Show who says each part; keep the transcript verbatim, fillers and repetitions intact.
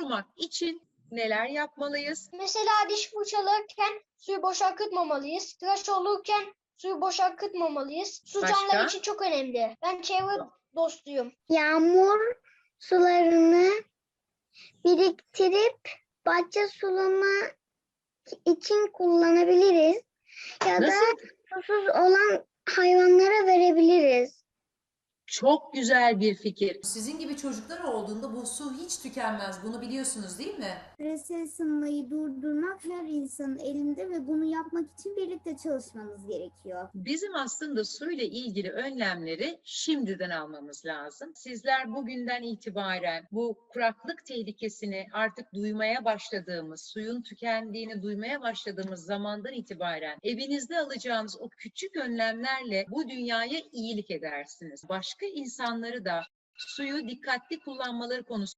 Speaker 1: korumak için neler yapmalıyız?
Speaker 2: Mesela diş fırçalarken suyu boş akıtmamalıyız. Tıraş olurken suyu boş akıtmamalıyız. Su
Speaker 1: Başka?
Speaker 2: canlılar için çok önemli. Ben çevre dostuyum.
Speaker 3: Yağmur sularını biriktirip bahçe sulama için kullanabiliriz. Ya da
Speaker 1: Nasıl?
Speaker 3: susuz olan hayvanlara verebiliriz.
Speaker 1: Çok güzel bir fikir.
Speaker 4: Sizin gibi çocuklar olduğunda bu su hiç tükenmez. Bunu biliyorsunuz değil mi?
Speaker 5: Küresel ısınmayı durdurmak her insanın elinde ve bunu yapmak için birlikte çalışmamız gerekiyor.
Speaker 1: Bizim aslında suyla ilgili önlemleri şimdiden almamız lazım. Sizler bugünden itibaren bu kuraklık tehlikesini artık duymaya başladığımız, suyun tükendiğini duymaya başladığımız zamandan itibaren evinizde alacağınız o küçük önlemlerle bu dünyaya iyilik edersiniz. Başka insanları da suyu dikkatli kullanmaları konusunda